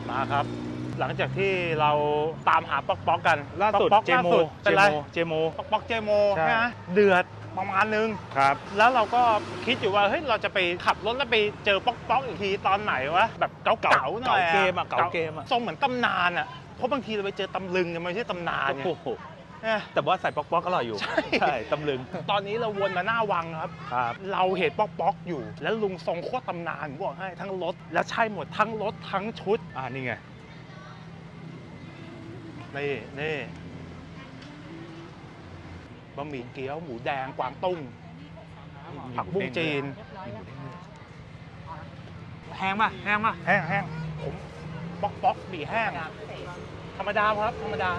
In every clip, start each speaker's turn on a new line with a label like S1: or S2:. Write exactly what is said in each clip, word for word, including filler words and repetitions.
S1: มาครับหลังจากที่เราตามหาป๊อกป๊อกกัน
S2: ล่าสุด
S1: ป๊อก
S2: เจ
S1: ล่า
S2: โม
S1: สุด
S2: เจ
S1: เป็นไร
S2: โมเจโม
S1: ป๊อกป๊อกเจโม
S2: ใช่
S1: ใช่ไหมเดือดประมาณนึง
S2: ครับ
S1: แล้วเราก็คิดอยู่ว่าเฮ้ยเราจะไปขับรถแล้วไปเจอป๊อกป๊อกอีกทีตอนไหนวะแบบเก่าๆหน่อย
S2: เก่าเกมอะเก่าเกมอะ
S1: ทรงเหมือนตำนานอะเพราะบางทีเราไปเจอตำลึงเนี่ยมันไม่ใช่ตำนานไง
S2: โอ้โห
S1: เนี่ย
S2: แต่ว่าใส่ป๊อกป๊อกอร่อยอยู่
S1: ใช่
S2: ใช่ตำลึง
S1: ตอนนี้เราวนมาหน้าวังครับ
S2: ครับ
S1: เราเห็นป๊อกป๊อกอยู่ แล้วลุงทรงโคตรตำนานผมบอกให้ทั้งรถแล้วใช่หมดทั้งรถทั้งชุด
S2: อ่านี่ไง
S1: นี่นี่บะหมี่เกี๊ยวหมูแดงกวางตุ้งผักบุ้งจีนแห้งป่ะแห้งป่ะแห้งแห้งผมป๊อกป๊อกบีแห้งธรรมดาครับธรรมดา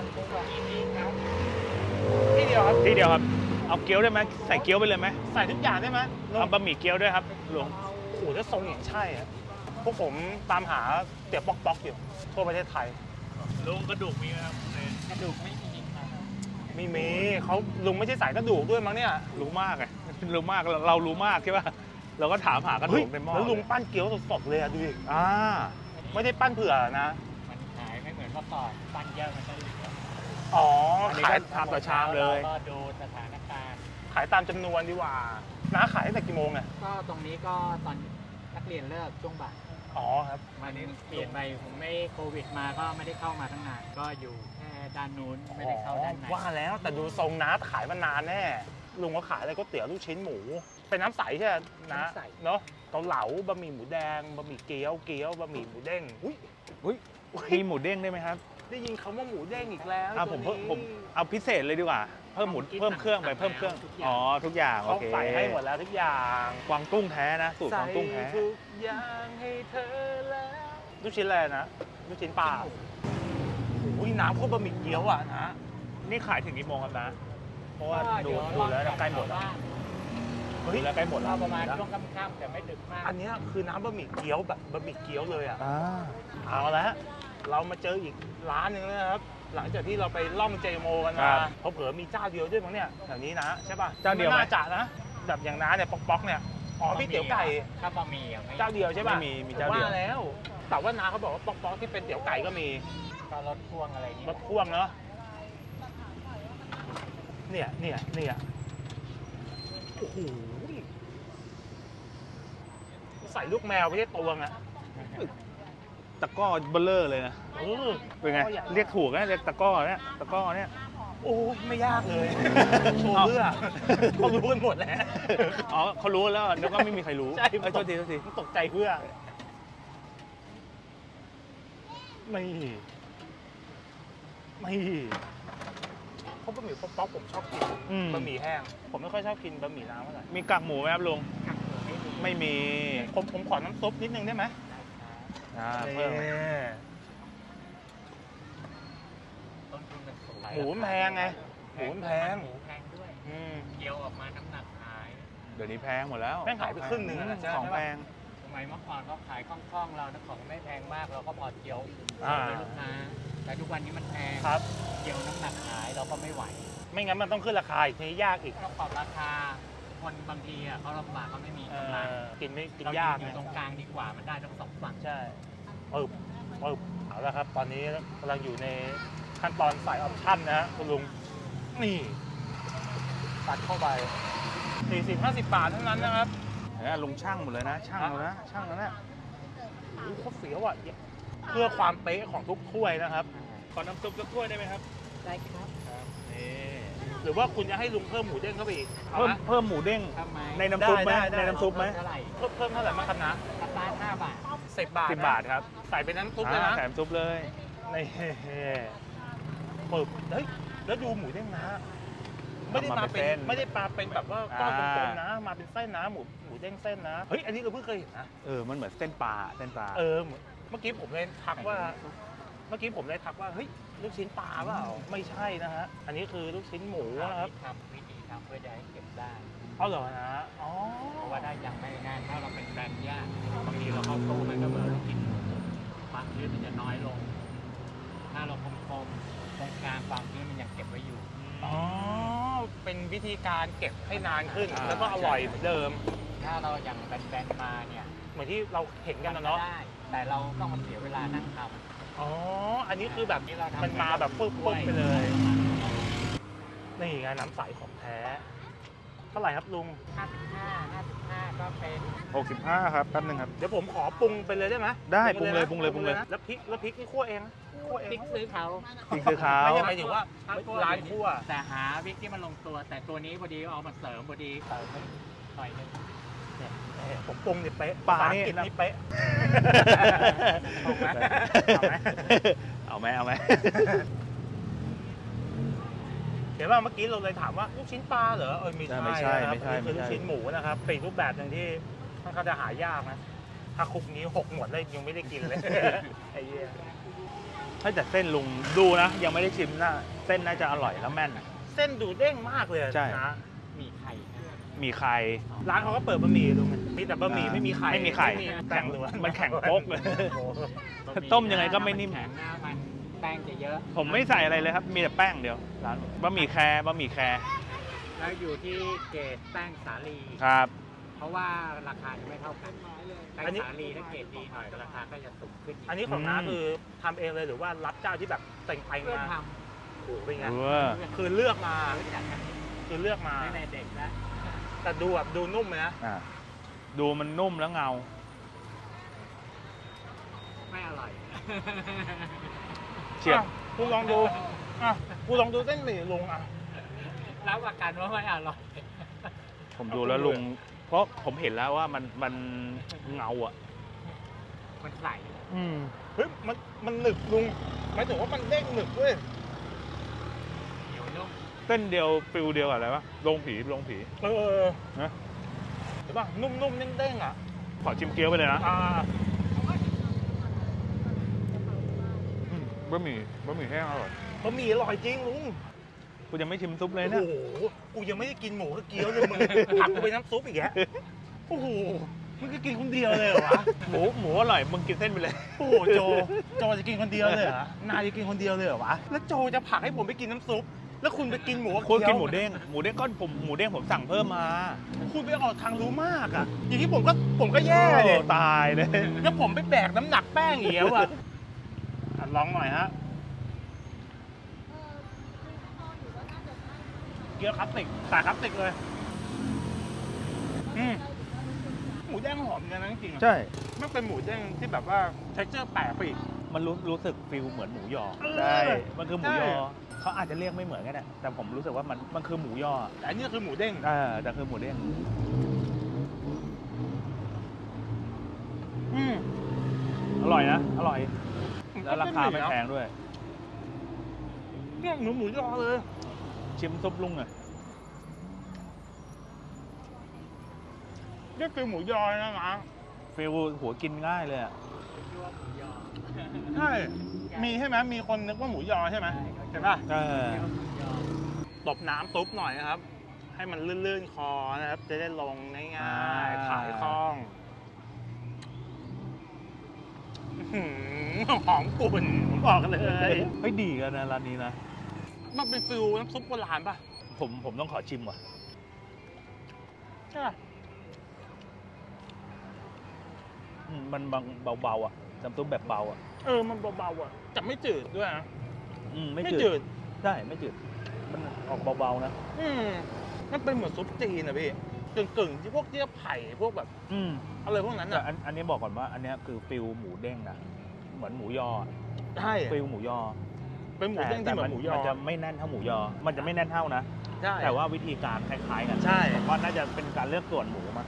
S1: ที่เดียวครับ
S2: ที่เดียวครับ เอาเกี๊ยวได้ไหมใส่เกี๊ยวไปเลยไหม
S1: ใส่ทุกอย่างได้ไหมลุง
S2: เอาบะหมี่เกี๊ยวด้วยครับลุง
S1: โอ้โหถ้าทรงอย่างใช่อะพวกผมตามหาเตี๋ยวป๊อกป๊อกอยู่ทั่วประเทศไทย
S2: ลุงกระดูกมีไหมครับ
S3: กระดูกไม่มีครับ
S1: ไม่มีเขาลุงไม่ใช่สายกระดูกด้วยมั้งเนี่ย
S2: รู้มากไงรู้มากเราเรารู้มากใช่ป่ะเราก็ถามหากระดู
S1: เฮ้ย
S2: กในหม้อ
S1: แล้วลุงปั้นเกี๊ยวสดๆเลยอะดูดิ
S2: อ่า
S1: ไม่ได้ปั้นเผื่อนะ
S3: มันหายไม่เหมือนเมื่อก่อนปั้นเยอะมันจะเหลือ
S1: อ๋อ
S2: อันนี้
S1: ขาย
S2: ก็ทำต่อชามเลย
S3: ก็ดูสถานการณ์
S1: ขายตามจำนวนดีกว่าน้าขายตั้งแต่กี่โมงเนี่ย
S3: ก็ตรงนี้ก็ตอนนักเรียนเลิกช่วงบ่าย
S1: อ๋อครับ
S3: มันเปลี่ยนไปผมไม่โควิดมาก็ไม่ได้เข้ามาทั้งนานก็อยู่แค่ด้านนู้นไม่ได้เข้าด้านใน
S1: ว่าแล้วแต่ดูทรงน้าขายมานานแน่ลุงก็ขายอะไรก๋วยเตี๋ยวลูกชิ้นหมู เป็นน้ำใสใช่ไหมนะเนาะเกาเหลาบะหมี่หมูแดงบะหมี่เกี๊ยวเกี๊ยวบะหมี่หมูเด้งอุ้ย
S2: อุ้ยมีหมูเด้งได้ไหมครับ
S1: ได้ยินคำว่าหมูเด้งอีกแล้ว
S2: อ่าผมเพิ่ม
S1: ตัวนี้
S2: ผมเอาพิเศษเลยดีกว่า เพิ่มหมูเพิ่มเครื่องไปเพิ่มเครื่องอ๋อทุกอย่างโอ
S1: เขา
S2: เค
S1: ใส่ให้หมดแล้วทุกอย่าง
S2: กวางตุ้งแท้นะสูตรกวางตุ้งแท้
S1: ใส่ทุกอย่างให้เธอแล้วลูกชิ้นอะไรนะลูกชิ้นปลาอุ้ยน้ำพวกบะหมี่เกี๊ยวอ่ะนะ
S2: นี่ขายถึงกี่โมงครับนะ เพราะว่า
S3: ก็
S2: ดู
S3: เยว
S2: ดูแล้วใกล้หมดแล้ว
S3: บ้าง
S1: เฮ้
S2: ดู
S1: ย
S2: แล้วใกล้หมดแล้
S3: ก็
S2: ว
S3: ประมาณช่วงค่ำๆแต่ไม่ดึกมาก
S1: อันเนี้ยคือน้ำบะหมี่เกี๊ยวแบบบะหมี่เกี๊ยวเลยอ่ะ
S2: อ่า
S1: เอาละเรามาเจออีกร้านหนึ่งแล้วนะครับ หลังจากที่เราไปล่องเจโมกัน
S2: ครั
S1: มา
S2: บ
S1: เขาเผลอมีเจ้าเดียวด้วยมั้งเนี่ยแถวนี้นะใช่ป่ะ
S2: เจ้าเดียวไหม
S1: ไม่น่าจะนะแบบอย่างน้าเนี่ยป๊อกป๊อกเนี่ยอ๋อพี่เตี๋ยวไก่
S3: ถ้าบะหมี่อ่ะไม่
S1: เจ้าเดียวใช่ป่ะ
S2: ไม่มีมีเจ้าเดียว
S1: ว่าแล้ว แต่ว่าน้าเขาบอกว่าป๊อกป๊อกที่เป็นเตี๋ยวไก่ก็มี
S3: ก็รถพ่วงอะไรนี่
S1: รถพ่วงเนาะเนี่ยเนี่ยเนี่ยโอ้โหใส่ลูกแมวไม่ใช่ตวงอะ
S2: ตะกร้อเบลเลอร์เลยนะ
S1: เออ
S2: เป็นไง เรียกถูกนะเรียกตะกร้อเนี่ยตะกร้อเนี่ย
S1: โอ้ยไม่ยากเลยโชว์เพื่อเขารู้กันหมดแล้ว
S2: อ๋อเขารู้แล้วนึกว่าไม่มีใครรู้
S1: ใช่
S2: เอ้ยโทษทีโทษที
S1: ตกใจเพื่อไม่ไม่เพราะบะหมี่ป๊อกๆผมชอบกิน
S2: อืม
S1: บะหมี่แห้งผมไม่ค่อยชอบกินบะหมี่น้ำเท่าไหร่
S2: มีกากหมูไหมครับลุง ไม่มี
S1: ผมผมขอน้ำซุปนิดนึงได้ไหม
S2: อ่าเพิ่ม
S1: นี่
S3: ต้นทุนมันสูง
S1: หมูมันแพงไงหมูมันแพง
S3: หมูแพงด้วย
S1: อืม
S3: เกี่ยวออกมาน้ำหนักหาย
S2: เดี๋ยวนี้แพงหมดแล้ว
S1: แม่งหายไปครึ่งหนึ่งอะนะ
S2: ของแพง
S3: สมัยเมื่อก่อนก็ขายคล่องๆเรานะของไม่แพงมากเราก็พอเกี่ยว
S1: อ่า
S3: ให้ลูกค้าแต่ทุกวันนี้มันแพง
S1: ครับ
S3: เกี่ยวน้ำหนักหายเราก็ไม่ไหว
S1: ไม่งั้นมันต้องขึ้นราคาอีกทียากอีก
S3: ต้องปรับราคาคนบางทีอ่ะเขาลำบากเขาไม่มี
S1: เอก
S3: ำลัง
S1: อกินไม่กิน
S3: เรา
S1: ยาก
S3: อยู่
S1: ไง
S3: ตรงกลางดีกว่ามันได้ทั้งสองฝั่ง
S1: ใช่ปึ๊บปึ๊บเอาละครับ ตอนนี้กำลังอยู่ในขั้นตอนใส่ออปชั่นนะฮะคุณลุง นี่ตัดเข้าไปสี่สิบ ห้าสิบบาทเท่านั้นนะครับ
S2: เห็นไหมลุงช่างหมดเลยนะ ช่างแล้วนะ ช่างแล้วนะ
S1: โอ้โหโคตรเสียวอ่ะ เพื่อความเป๊ะของทุกถ้วยนะครับ
S2: ขอน้ำซุปสักถ้วยได้ไหมครับ
S3: ได้ครับ
S2: นี่
S1: หรือว่าคุณจะให้ลุงเพิ่มหมูเด้งเข้าไปอีกเอา
S2: เพิ่ม
S1: ไหม
S2: เพิ่มหมูเด้ง
S3: ทำไม
S2: ในน้ำซุปไหม
S1: ได้ได้
S2: ในน้ำซุปไหม
S3: เท่าไหร่
S1: เพิ่มเพิ่มเท่าไหร่มางครับนะ
S3: สตาร์ทห้าบาท
S1: สิบบาท
S2: สิบ
S1: นะ
S2: บาทครับ
S1: ใส่เป็นน้ำซุปเลย
S2: อ่า
S1: นะ
S2: แถมซุปเลย
S1: นี่ปึ๊บเฮ้ย แล้วดูหมูเด้งนะ ไม่ได้มาเป็นไม่ได้มาเป็นแบบว่าก้อนกลมๆนะ มาเป็นเส้นนะหมูหมูเด้งเส้นนะ เฮ้ย อันนี้เราเพิ่งเคยเห็นนะ
S2: เออ มันเหมือนเส้นปลา เส้นปลา
S1: เออเหมือนเมื่อกี้ผมเลยทักว่า เมื่อกี้ผมเลยทักว่า เฮ้ย ลูกชิ้นปลาเปล่า ไม่ใช่นะฮะ อันนี้คือลูกชิ้นหมูนะครับ
S3: ทำวิธีทำเพื่อจะให้เก็บได้
S1: เอาเหรอนะ อ๋อ
S3: เพราะว่าได้ยังไม่นานถ้าเราเป็นแบรนด์ยากบางทีเราเข้าตู้มันก็เหมือนเรากินหมูความชื้นมันจะน้อยลง ถ้าเราคมๆตรงกลางความชื้นมันยังเก็บไว้อยู่
S1: อ๋อ เป็นวิธีการเก็บให้นานขึ้น
S2: อ่า
S1: แล้วก็อร่อยเหมือนเดิม
S3: ถ้าเราอย่างแบนๆมาเนี่ย
S1: เหมือนที่เราเห็นกันนะเนาะ
S3: ได้แต่เราต้องมาเสียเวลานั่งท
S1: อ๋อ อันนี้คือแบบ
S3: ำนี่เราทำ
S1: มันมาแบบปุ๊บปุ๊บไปเลย นี่ไงน้ำใสของแท้ เท่าไหร่ครับลุง
S3: ห้าสิบห้า ห้าสิบห้าก็เป็น
S2: หกสิบห้าครับแป๊บนึงครับ
S1: เดี๋ยวผมขอปรุงไปเลยได้ไหม
S2: ได้
S1: นะ
S2: ปรุงเลยปรุงเลยปรุงเลย
S1: นะแล้วพริกแล้วพริกนี่คั่วเองนะคั่วเอง
S3: พริกซื้อเขา
S2: นี่คือเขา
S1: ไม่ใช่หมายถึงว่าร้านคั่ว
S3: แต่หาพริกที่มันลงตัว แต่ตัวนี้พอดีเอามาเสริมพอดีเติมไปหน่อยนึง
S1: เนี่ยผมปรุงนี่เป๊ะ
S2: ปลา
S1: ภษ
S2: นี่
S1: อังกฤษนี่เป๊ะ เอาไหมเอาไหม
S2: เอาไหมเอาไหม
S1: เดี๋ยวว่าเมื่อกี้เราเลยถามว่าลูกชิ้นปลาเหรอ เออไม่ใช่
S2: ไม่ใช่
S1: นะครับ
S2: ไม่ใช่
S1: อันนี้คือ
S2: ไม่
S1: ลูก
S2: ใช่
S1: ชิ้นหมูนะครับเป็นอีกรูปแบบหนึ่งที่ค่อนข้างจะหายากนะ ถ้าคุกนี้หกหมดเลยยังไม่ได้กินเลย ไอ้เหี้ย
S2: ถ้าแต่เส้นลุงดูนะ ยังไม่ได้ชิมนะเส้นน่าจะอร่อยแล้วแม่น
S1: เส้นดูเด้งมากเลย
S2: ใช่
S1: นะ
S3: มีไข่
S2: มีไข่
S1: ร้านเขาก็เปิดบะหมี่ลุงมีแต่บะหมี่
S2: อ่า
S1: ไม่มีไข่
S2: ไม่มีไข่
S1: แข็งล้วน
S2: มันแข็งโป๊กเลย
S1: โอ้โห
S2: ต้มยังไงก็ไม่นิ่ม
S3: แข็งหน้ามันแป้งจะเยอะ
S2: ผมไม่ใส่อะไรเลยครับ มีแต่แป้งเดียวร้านผมบะหมี่แคร์บะหมี่แคร์
S3: แล้วอยู่ที่เกรดแป้งสาลี
S2: ครับ
S3: เพราะว่าราคาจะไม่เท่ากันแป้งสาลีถ้าเกรดดีหน่อยราคาก็จะสูงขึ้นอีก
S1: อันนี้ของน้า
S2: อืม
S1: คือทำเองเลยหรือว่ารับเจ้าที่แบบแต่งไป
S3: เพื่อน
S1: มา
S3: ท
S1: โอ้โหเป็นไง
S2: เออ
S3: ำ
S1: คือเลือกมา
S3: รู้จักกัน
S1: คือเลือกมา
S3: ตั้งแต่เด็กแล้ว
S1: แต่ดูแบบดูนุ่มเลยนะ
S2: อ่ะดูมันนุ่มแล้วเงา
S3: ไม่อร่อย
S2: เฉียบ
S1: อ่ะคุณลองดูอ่ะคุณลองดูเส้นหมี่ลุงอ่ะ
S3: รับประกันว่าไม่อร่อย
S2: ผมดูแล้วลุง เพราะผมเห็นแล้วว่ามันมันเงาอ่ะ
S3: มันใส
S2: อืม
S1: เฮ้ยมันมันหนึบลุงหมายถึงว่ามันเด้งหนึบด้วย
S3: เหนียวนุ่ม
S2: เส้นเดียวฟิลเดียวกับอะไรวะลงผีลงผี
S1: เออ
S2: นะ
S1: เห็นป่ะนุ่มๆเด้งๆอ่ะ
S2: ขอชิมเกี๊ยวไปเลยนะ
S1: อ่า
S2: อืมบะหมี่บะหมี่แห้งอร่อย
S1: บะหมี่อร่อยจริงลุง
S2: กูยังไม่ชิมซุปเลย
S1: โอ้
S2: เนี่ย
S1: โหกูยังไม่ได้กินหมูกับเกี๊ยวเลยมึงผักกูไปน้ำซุปอีกแกโอ้โหมึงก็กินคนเดียวเลยเหรอวะ
S2: หมูหมูอร่อยมึงกินเส้นไปเลย
S1: โอ้โหโจโจจะกินคนเดียวเลยเหรอนายจะกินคนเดียวเลยเหรอวะแล้วโจจะผลักให้ผมไปกินน้ำซุปแล้วคุณไปกินหมูกับ
S2: คุณ
S1: เกี๊ยว
S2: กินหมูเด้งหมูเด้งก็ผมหมูเด้งผมสั่งเพิ่มมา
S1: คุณไปออกทางรู้มากอ่ะอย่างนี้ผมก็ผมก็แย่เลย
S2: โอ้ตายเลย
S1: แล้วผมไปแบกน้ำหนักแป้งอีกแล้วอ่ะอ่ะลองหน่อยฮะเกี๊ยวคลาสสิกสายคลาสสิกเลยอืมหมูแดงหอมเหมือนกันนะจริงๆอะ
S2: ใช่
S1: มันเป็นหมูแดงที่แบบว่า texture แปลกไปอีก
S2: มันรู้รู้สึกฟิลเหมือนหมูยอ
S1: เออ
S2: ใช่มันคือหมูยอ
S1: ใช่
S2: เขาอาจจะเรียกไม่เหมือนกันแหละแต่ผมรู้สึกว่ามันมันคือหมูยอ
S1: แต่อันนี้คือหมูเด้ง
S2: เออแต่คือหมูเด้ง
S1: อืม
S2: อร่อยนะอร่อย แล้วราคาไม่แพงด้วย
S1: เนี่ยหมูหมูยอเลย
S2: ชิมซุปลุงอ่ะ
S1: นี่คือหมูยอนะนะ
S2: ฟิลหัวกินง่ายเลยอ่ะ
S3: ยั่วหมูยอ
S1: ใช่ มีใช่ไหมมีคนนึกว่าหมูยอใช่ไหมใช่ป่ะ
S2: เออ
S3: ยั่วหมูยอ
S1: ตบน้ำตุ๊บหน่อยนะครับ ให้มันลื่นๆคอนะครับ จะได้ลงง่าย
S2: อ่า
S1: ๆถ่ายคล่องอื้อหือหอมกลุ่นผมบอกเลย
S2: เฮ้ยดีกันนะร้านนี้นะ
S1: มันเป็นฟิลน้ำซุปโบราณป่ะ
S2: ผมผมต้องขอชิมว่ะ
S1: ใช่ป่ะ
S2: อืมมันบางเบาๆอ่ะน้ำซุปแบบเบาอ่ะ
S1: เออมันเบาๆอ่ะแต่ไม่จืดด้วยนะ
S2: อืมไม่
S1: ไม่
S2: จื
S1: จื
S2: ด
S1: ด
S2: ใช่ไม่จืดมันออกเบาๆนะ
S1: อืมมันเป็นเหมือนซุปจีนนะพี่กึ่งๆที่พวกเจี๊ยบไผ่พวกแบบ
S2: อืม
S1: อะไรพวกนั้น
S2: แต่
S1: อ่ะ
S2: อันอันนี้บอกก่อนว่าอันเนี้ยคือฟิลหมูเด้งนะเหมือนหมูยออะ
S1: ใช่
S2: ฟิลหมูยอ
S1: เป็นหมูเด้งที่เหมือนหมูยอ
S2: มันจะไม่แน่นเท่าหมูยอ มันจะไม่แน่นเท่านะ
S1: ใช่
S2: แต่ว่าวิธีการคล้ายๆกัน
S1: ใช่
S2: ผมว่าน่าจะเป็นการเลือกส่วนหมูมา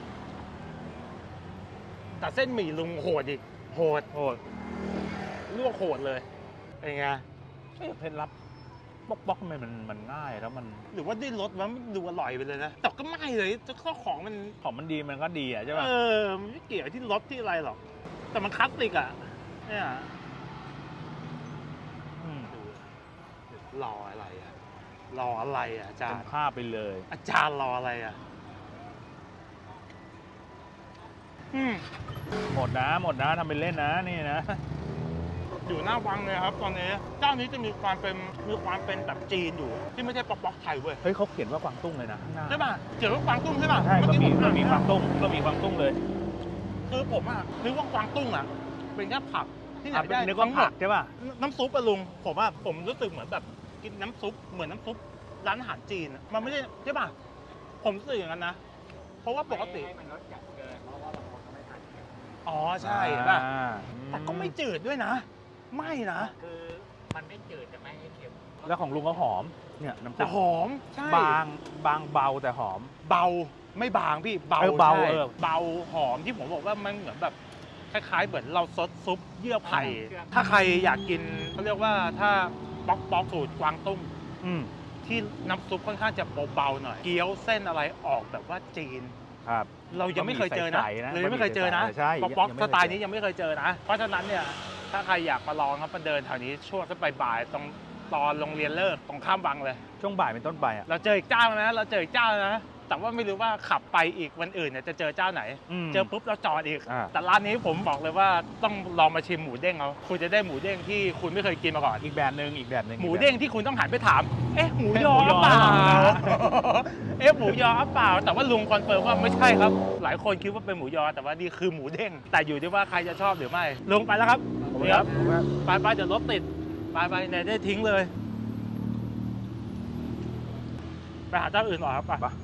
S1: แต่เส้นหมี่ลุงโหดอีกโหด
S2: โอ้ย
S1: ลวกโหดเลยเป็นไง
S2: เอ๊ะเคล็ดลับป๊อกป๊อกทำไมมันมันง่ายแล้วมัน
S1: หรือว่าได้รสมันดูอร่อยไปเลยนะแต่ก็ไม่เลยข้อของมัน
S2: ของมันดีมันก็ดีอ่ะใช่ป่ะ
S1: เออมันไม่เกี่ยวที่รสที่อะไรหรอก แต่มันคลาสสิกอ่ะเนี่ย
S2: อืม
S1: รออะไรอ่ะรออะไรอ่ะอาจาร
S2: เป็น
S1: ย์
S2: ภาพไปเลย
S1: อาจารย์รออะไรอ่ะอืม
S2: หมดนะหมดนะทำเป็นเล่นนะนี่นะ
S1: อยู่หน้าวังเลยครับ ตอนนี้เจ้านี้จะมีความเป็นมีความเป็นแบบจีนอยู่ ที่ไม่ใช่ป๊อกป๊อกไทยเว้ย
S2: เฮ้ยเขาเขียนว่ากวางตุ้งเลยนะข้างหน้า
S1: ใช่ป่ะเกี่ยวกับกวางตุ้งใช่ป่ะ
S2: ใช่ก็มี
S1: เอ
S2: ก็
S1: ผ
S2: มี
S1: อ่น
S2: กวางตุ้งก็มีกวางตุ้งเลย
S1: คือผมอ่ะนึกว่ากวางตุ้งอ่ะเป็นแค่ผักที่ไหน
S2: อ่ะ
S1: ได้
S2: นึกว่า
S1: ทั้งหม
S2: ผั
S1: ด
S2: กใช่ป่ะ
S1: น้ำซุปอะลุงผมว่าผมรู้สึกเหมือนแบบกินน้ำซุปเหมือนน้ำซุปร้านอาหารจีนอะมันไม่ได้ใช่ป่ะผมรู้สึกอย่างนั้นนะเพราะว่าปกติ
S3: ให้มันรสจัดเกินเพราะว่าบางคนเขาไม่ทานเค็ม
S1: อ๋อใช่เห็นป่ะ
S2: อ่า
S1: แต่ก็ไม่จืดด้วยนะ ไม่นะ
S3: คือมันไม่จืดแต่ไม่ให้เค็ม
S2: แล้วของลุงก็หอม เนี่ยน้ำซุ
S1: แต่
S2: ป
S1: หอมใช่
S2: บางบางเบาแต่หอม
S1: เบาไม่บางพี่เบา
S2: เออเบา
S1: ใช่
S2: เออ
S1: เบาหอมที่ผมบอกว่ามันเหมือนแบบคล้ายๆเหมือนเราซดซุปเยื่อไผ่
S3: เครื่อง
S1: ถ้าใครอยากกินเขาเรียกว่าถ้าป๊อกป๊อกสูตรกวางตุ้ง
S2: อืม
S1: ที่น้ำซุปค่อนข้างจะเบาๆหน่อย เกี๊ยวเส้นอะไรออกแบบว่าจีน
S2: ครับ
S1: เรายังไม่เคยเจอนะ
S2: บะหมี่ใสๆนะ
S1: เรายังไม่เคยเจอนะ
S2: ใช่
S1: ป๊อกป๊อก
S2: ยังไม่
S1: ส
S2: เคย
S1: ไตล์
S2: เจอ
S1: นี้ยังไม่เคยเจอนะ เพราะฉะนั้นเนี่ยถ้าใครอยากมาลองครับมาเดินแถวนี้ช่วงสักบ่ายๆตรงตอนโรงเรียนเลิกตรงข้ามวังเลย
S2: ช่วงบ่ายเป็นต้นไปอ่ะ
S1: เราเจออีกเจ้านะ เราเจออีกเจ้านะ แต่ว่าไม่รู้ว่าขับไปอีกวันอื่นเนี่ยจะเจอเจ้าไหน
S2: ม
S1: เจอปุ๊บเราจอดอีก
S2: อ่า
S1: แต่ร้านนี้ผมบอกเลยว่าต้องลองมาชิมหมูเด้งเอาคุณจะได้หมูเด้งที่คุณไม่เคยกินมาก่อน
S2: อีกแบบหนึ่งอีกแบบหนึ่ง
S1: หมูเด้งที่คุณต้องหันไปถาม เอ๊ะหมูยอ
S2: หมูยอ
S1: เปล่า
S2: หรือเปล่า
S1: เอ๊ะหมูยอเปล่า แต่ว่าลุงคอนเฟิร์มว่าไม่ใช่ครับ หลายคนคิดว่าเป็นหมูยอ แต่ว่านี่คือหมูเด้ง แต่อยู่ที่ว่าใครจะชอบหรือไม่ ลุงไปแล้วครับนี่ครับ ไปไปเดี๋ยวรถติด ไปไปไหนได้ทิ้งเลย ไปหาเจ้าอื่นต่อครับไป
S2: ไป